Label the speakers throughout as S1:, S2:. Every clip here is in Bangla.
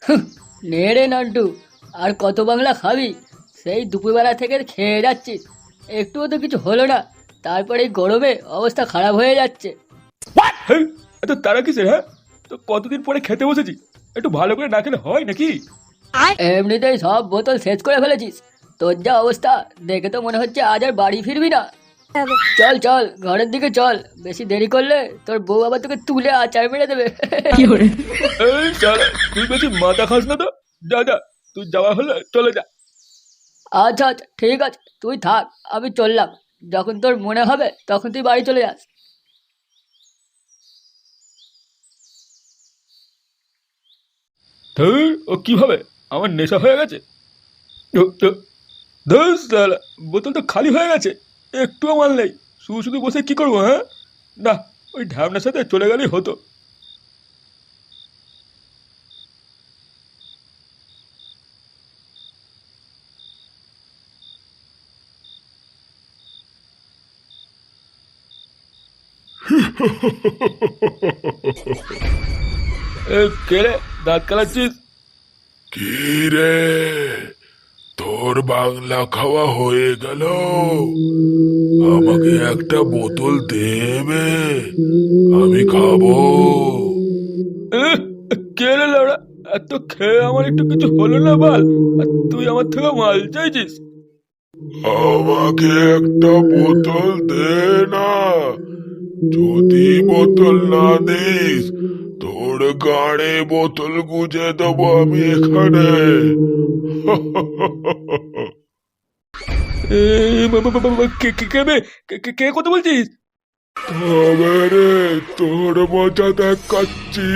S1: নে রে নান্টু, আর কত বাংলা খাবি? সেই দুপুরবেলা থেকে খেয়ে যাচ্ছিস, একটুও তো কিছু হলো না, তারপরে এই গরমে অবস্থা খারাপ হয়ে যাচ্ছে।
S2: হেই, এত তারা কিসের? হ্যাঁ, তো কতদিন পরে খেতে বসেছি, একটু ভালো করে না খেলে হয় নাকি?
S1: এমনিতেই সব বোতল শেষ করে ফেলেছিস, তোর যা অবস্থা দেখে তো মনে হচ্ছে আজ আর বাড়ি ফিরবি না। চল চল ঘরের দিকে চল, বেশি দেরি করলে তোর বউ আবার তোকে তুলে আচার মেরে দেবে।
S2: এই শালা, তুই বেশি মাথা খাস না তো। যা যা, তুই যাওয়া হলে চলে যা।
S1: আচ্ছা আচ্ছা ঠিক আছে, তুই থাক, আমি চললাম। যখন তোর মনে হবে তখন তুই বাড়ি চলে যাস।
S2: ধুর, ও কিভাবে আমার নেশা হয়ে গেছে। ধুর শালা, বোতল তো খালি হয়ে গেছে, একটুও মাল নেই। শুধু শুধু বসে কি করবো? হ্যাঁ, না, ওই ঢ্যামনার সাথে চলে গেলেই হতো। এ, কে রে, দাঁত কালাচ্ছিস?
S3: কি রে, তোর বাংলা খাওয়া হয়ে গেল? আমাকে একটা বোতল দেবে, আমি খাবো।
S2: এ, কে রে লাউড়া, এত খেয়ে আমার একটু কিছু হলো না বল, আর তুই আমার থেকে মাল চাইছিস?
S3: আমাকে একটা বোতল দে না। যদি বোতল না দিস, তোর গাড়ে বোতল গুজে দেবো আমি এখানে।
S2: এ, কে কে কে বে? কে কথা বলছিস?
S3: তবে রে, তোর মজা দেখাচ্ছি।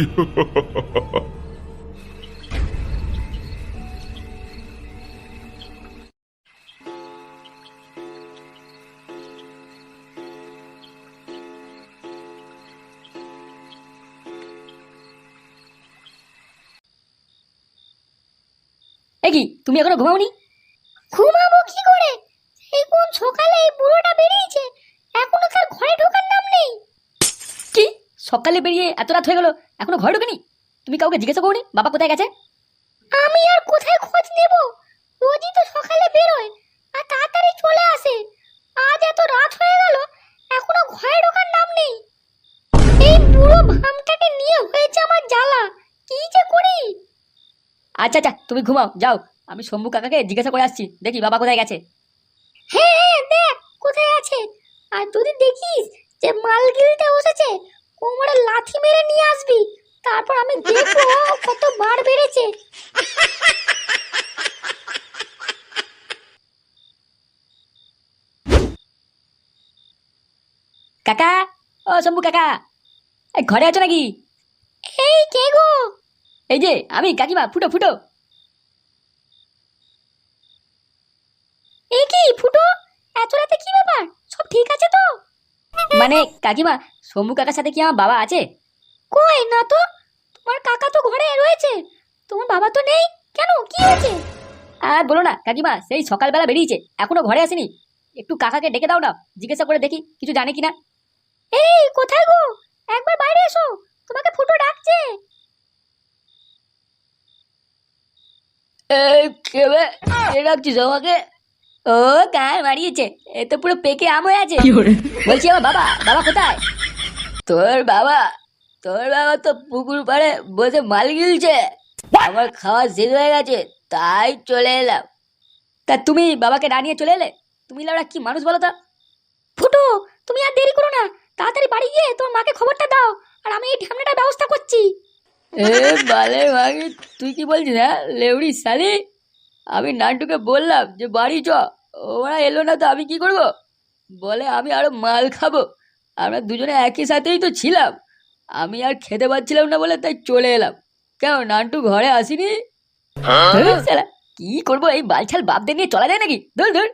S1: এ কি, তুমি এখনো ঘুমাওনি? ঘুমাবো কি করে, এই কোন সকালে এই বুড়োটা বেরিয়েছে, এখনো তার ঘরে ঢোকার নাম নেই। কি, সকালে বেরিয়ে এত রাত হয়ে গেল, এখনো ঘরে ঢোকেনি? তুমি কাউকে জিজ্ঞাসা করনি বাবা কোথায় গেছে? আমি আর কোথায় খোঁজ নেব, রোজই তো সকালে বেরোয় আর তাড়াতাড়ি চলে আসে। আজ এত রাত হয়ে গেল, এখনো ঘরে ঢোকার নাম নেই। এই বুড়ো ভামটাকে নিয়ে হয়েছে আমার জ্বালা, কি যে করি। আচ্ছা আচ্ছা তুমি ঘুমাও, যাও, আমি শম্ভু কাকাকে জিজ্ঞাসা করে আসছি, দেখি বাবা কোথায় গেছে। হ্যাঁ হ্যাঁ দেখ কোথায় আছে, আর যদি দেখিস যে মাল গিলতে বসেছে, কোমরে লাথি মেরে নিয়ে আসবি, তারপর আমি দেখবো কত বার বেড়েছে। কাকা, ও শম্ভু কাকা, এই ঘরে আছো নাকি? এই কে গো? এই যে আমি, কাকিমা, ফুটো ফুটো। এই কি ফুটো, এত রাতে কি ব্যাপার, সব ঠিক আছে তো? মানে কাকিমা, শম্ভু কাকার সাথে কি আমার বাবা আছে? কই না তো, তোমার কাকা তো ঘরে রয়েছে, তোমার বাবা তো নেই, কেন কি হয়েছে? আর বলো না কাকিমা, সেই সকালবেলা বেরিয়েছে, এখনো ঘরে আসেনি। একটু কাকাকে ডেকে দাও না, জিজ্ঞাসা করে দেখি কিছু জানে কিনা। এই কোথায় গো, একবার বাইরে এসো, তোমাকে ফুটো ডাকছে। এই কে বে, কে ডাকছিস আমাকে? ও গান মারিয়েছে, এ তো পুরো পেকে আম হয়ে আছে। বলছি আমার বাবা, বাবা কোথায়? তোর বাবা, তোর বাবা তো পুকুর পাড়ে বসে মাল গিলছে, আমার খাওয়া শেষ হয়ে গেছে, তাই চলে এলাম। তা তুমি বাবাকে না নিয়ে চলে এলে? তুমি লাউড়া কি মানুষ বলো তো? ফুটো, তুমি আর দেরি করো না, তাড়াতাড়ি বাড়ি গিয়ে তোমার মাকে খবরটা দাও, আর আমি এই ঢ্যামনাটার ব্যবস্থা করছি। এ বালে মাগি, তুই কি বলছিস? হ্যাঁ লেউড়ি শালি, আমি নান্টুকে বললাম যে বাড়ি চ, ওরা এলো না তো আমি কি করব? বলে আমি আরো মাল খাবো, আমরা দুজনে একই সাথেই তো ছিলাম, আমি আর খেতে পাচ্ছিলাম না বলে তাই চলে এলাম। কেন নান্টু ঘরে আসিনি? ধুর শালা, কি করবো, এই বালছাল বাপদের নিয়ে চলা যায় নাকি? ধুর ধুর।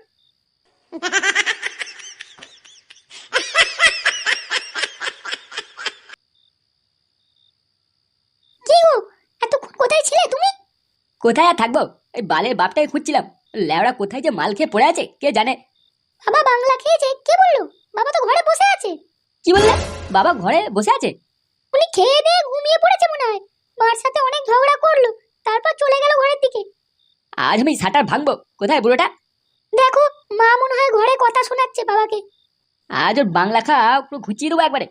S1: কি গো, এতক্ষণ কোথায় ছিলে তুমি? কোথায় আর থাকবো, এই বালের বাপটাকে খুঁজছিলাম, লেওড়া কোথায় যে মাল খেয়ে পড়ে আছে কে জানে। বাবা বাংলা খেয়েছে, কে বললো? বাবা তো ঘরে বসে আছে। কি বললে, বাবা ঘরে বসে আছে? উনি খেয়ে দিয়ে ঘুমিয়ে পড়েছে মনে হয়, মার সাথে অনেক ঝগড়া করলো,
S4: তারপর চলে গেল ঘরের দিকে।
S1: আজ আমি শাটার ভাঙবো। কোথায় বুড়োটা?
S4: দেখো, মা মনে হয় ঘরে কথা শোনাচ্ছে বাবাকে।
S1: আজ ওর বাংলা খা পুরো ঘুচিয়ে দেবো একবারে।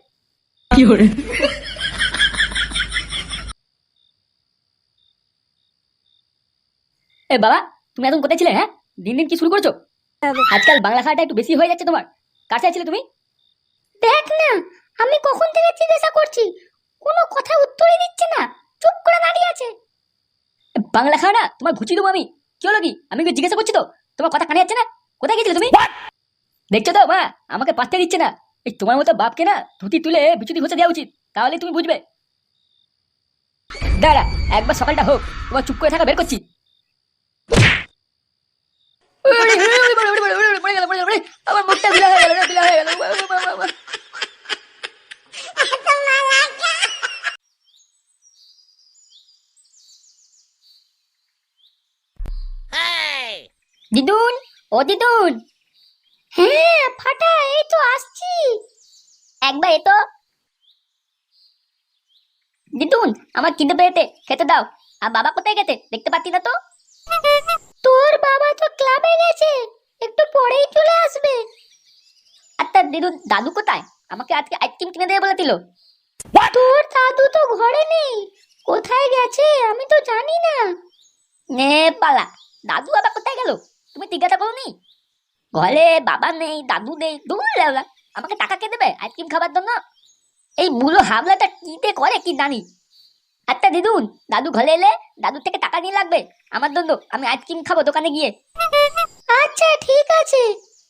S1: এ বাবা, তুমি এখন কোথায় ছিলে? হ্যাঁ, দিন দিন কি শুরু করেছো? আজকাল বাংলা খাওয়াটা একটু বেশি হয়ে যাচ্ছে তোমার। কাছে ছিলে তুমি?
S4: দেখ না, আমি কখন থেকে জিজ্ঞাসা করছি, কোনো কথা উত্তরই দিচ্ছে না, চুপ করে দাঁড়িয়ে আছে।
S1: এ, বাংলা খাওয়া না তোমার ঘুচিয়ে দেবো আমি। কি হলো কি? আমি কি জিজ্ঞাসা করছি তো, তোমার কথা কানে যাচ্ছে না? কোথায় গেছিলে তুমি? দেখছো তো মা, আমাকে পাত্তা দিচ্ছে না। এই তোমার মতো বাপকে না ধুতি তুলে বিচুতি ঘষে দেওয়া উচিত, তাহলে তুমি বুঝবে। দাঁড়া, একবার সকালটা হোক, তোমার চুপ করে থাকা বের করছি। আমার মুখটা বিলা হয়ে গেল, বিলা হয়ে গেল। দিদুন, ও দিদুন।
S4: হ্যাঁ ফাটা, এই তো আসছি।
S1: একবার এতো। দিদুন, আমার খিদে পেয়েছে, খেতে দাও। আর বাবা কোথায় গেছে? দেখতে পাচ্ছি না তো।
S4: তোর বাবা তো ক্লাবে গেছে, একটু পরেই চলে আসবে।
S1: আচ্ছা দিদুন, দাদু কোথায়? আমাকে আজকে আইসক্রিম কিনে দেবে বলেছিল।
S4: তোর দাদু তো ঘরে নেই, কোথায় গেছে আমি তো জানি না।
S1: নে পালা, দাদু আবার কোথায় গেল? তুমি জিজ্ঞাসা করোনি? ঘরে বাবা নেই, দাদু নেই, দূর লেওলা। আমাকে টাকা কে দেবে আইসক্রিম খাবার জন্য? এই বুলো হাবলাটা কিতে করে কি জানি। আচ্ছা দিদুন, দাদু ঘরে এলে দাদুর থেকে টাকা নিয়ে লাগবে আমার জন্য, আমি আইসক্রিম খাবো দোকানে গিয়ে।
S4: আচ্ছা ঠিক আছে।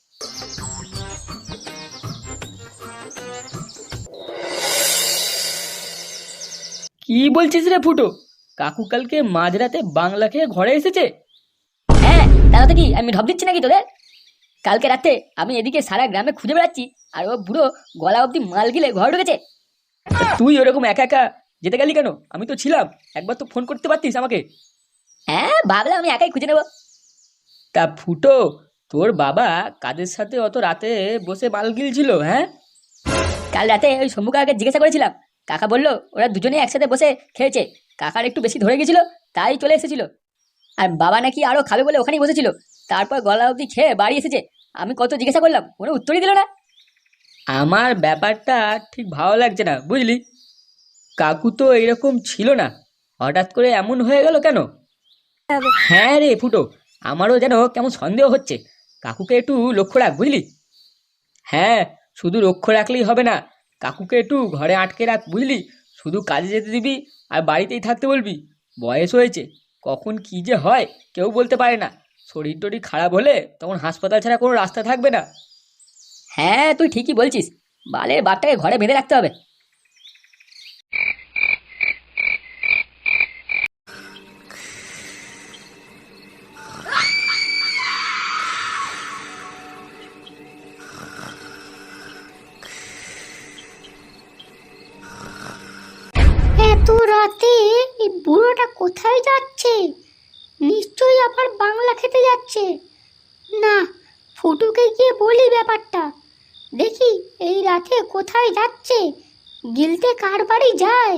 S2: কি বলছিস রে ফুটো? কাকু কালকে মাঝরাতে বাংলা খেয়ে ঘরে এসেছে?
S1: হ্যাঁ, তাহলে কি আমি ঢপ দিচ্ছি নাকি তোদের? কালকে রাতে আমি এদিকে সারা গ্রামে খুঁজে বেড়াচ্ছি, আর ও বুড়ো গলা অব্দি মাল গিলে ঘরে ঢুকেছে।
S2: তুই ওরকম একা একা যেতে গেলি কেন? আমি তো ছিলাম, একবার তো ফোন করতে পারতিস আমাকে।
S1: হ্যাঁ, ভাবলাম আমি একাই খুঁজে নেবো।
S2: তা ফুটো, তোর বাবা কাদের সাথে অত রাতে বসে মাল গিলছিল? হ্যাঁ,
S1: কাল রাতে ওই শম্ভু কাকাকে জিজ্ঞাসা করেছিলাম, কাকা বললো ওরা দুজনেই একসাথে বসে খেয়েছে, কাকার একটু বেশি ধরে গেছিল তাই চলে এসেছিল। আর বাবা নাকি আরো খাবে বলে ওখানেই বসেছিল, তারপর গলা অবধি খেয়ে বাড়ি এসেছে। আমি কত জিজ্ঞাসা করলাম, কোনো উত্তরই দিল না।
S2: আমার ব্যাপারটা ঠিক ভালো লাগছে না, বুঝলি? কাকু তো এরকম ছিল না, হঠাৎ করে এমন হয়ে গেল কেন? হ্যাঁ রে ফুটো, আমারও যেন কেমন সন্দেহ হচ্ছে। কাকুকে একটু লক্ষ্য রাখ, বুঝলি? হ্যাঁ, শুধু লক্ষ্য রাখলেই হবে না, কাকুকে একটু ঘরে আটকে রাখ, বুঝলি? শুধু কাজে যেতে দিবি আর বাড়িতেই থাকতে বলবি। বয়স হয়েছে, কখন কি যে হয় কেউ বলতে পারে না। শরীর টরীর খারাপ হলে তখন হাসপাতাল ছাড়া কোনো রাস্তা থাকবে না।
S1: হ্যাঁ, তুই ঠিকই বলছিস, বালের বাপটাকে ঘরে বেঁধে রাখতে হবে।
S4: এত রাতে এই বুড়োটা কোথায় যাচ্ছে? নিশ্চয়ই আবার বাংলা খেতে যাচ্ছে। না, ফুটুকে গিয়ে বলি ব্যাপারটা। দেখি এই রাতে কোথায় যাচ্ছে, গিলতে কার বাড়ি যায়।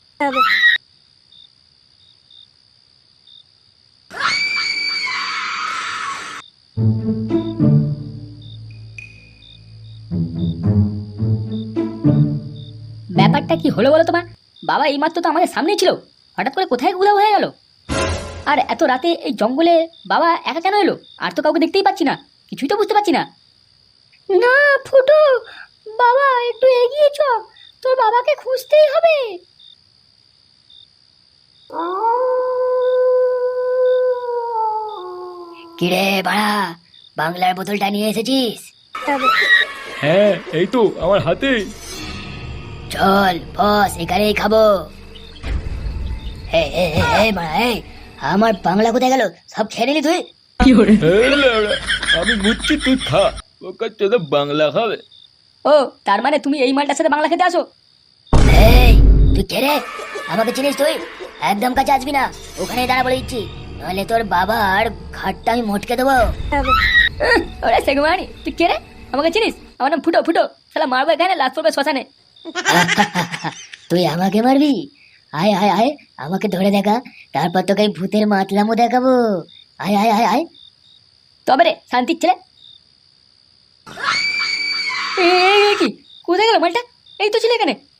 S1: ব্যাপারটা কি হলো বলো তোমার? বাবা এইমাত্র তো আমাদের সামনেই ছিল, হঠাৎ করে কোথায় উধাও হয়ে গেল? আর এত রাতে এই জঙ্গলে বাবা একা কেন এলো? আর তো কাউকে দেখতেই পাচ্ছি না, কিছুই তো বুঝতে পারছি না।
S4: না ফুটু, বাবা একটু এগিয়ে চ, তোর বাবাকে খুঁজতেই হবে।
S1: কিরে বাড়া, বাংলার বোতলটা নিয়ে এসেছিস?
S2: হ্যাঁ, এই তো আমার হাতে।
S1: চল বস, এখানেই খাবো। আমার বাংলা কোথায় গেল? সব খেয়ে নিলি তুই?
S2: আমি বুঝছি তুই খা, ওকে চোদা বাংলা খাবে।
S1: ও, তার মানে তুমি এই মালটার সাথে বাংলা খেতে আসো? এই তুই কে রে? আমাকে চিনিস তুই? একদম কাছে আসবি না, ওখানেই দাঁড়া বলে দিচ্ছি, নাহলে তোর বাবার ঘাটটা আমি মটকে দেবো। ওরে সেগুমানি, তুই কে রে? আমাকে চিনিস? আমার নাম ফুটো। ফুটো শালা মারবো এখানে, লাশ পড়বে শ্মশানে। তুই আমাকে মারবি? আয় আয় আয়, আমাকে ধরে দেখা, তারপর তোকে এই ভূতের মাতলামো দেখাবো। আয় আয় আয় আয়। তবে রে শান্তির ছেলে। কি কোথায় গেল মালটা? এই তো ছিল এখানে।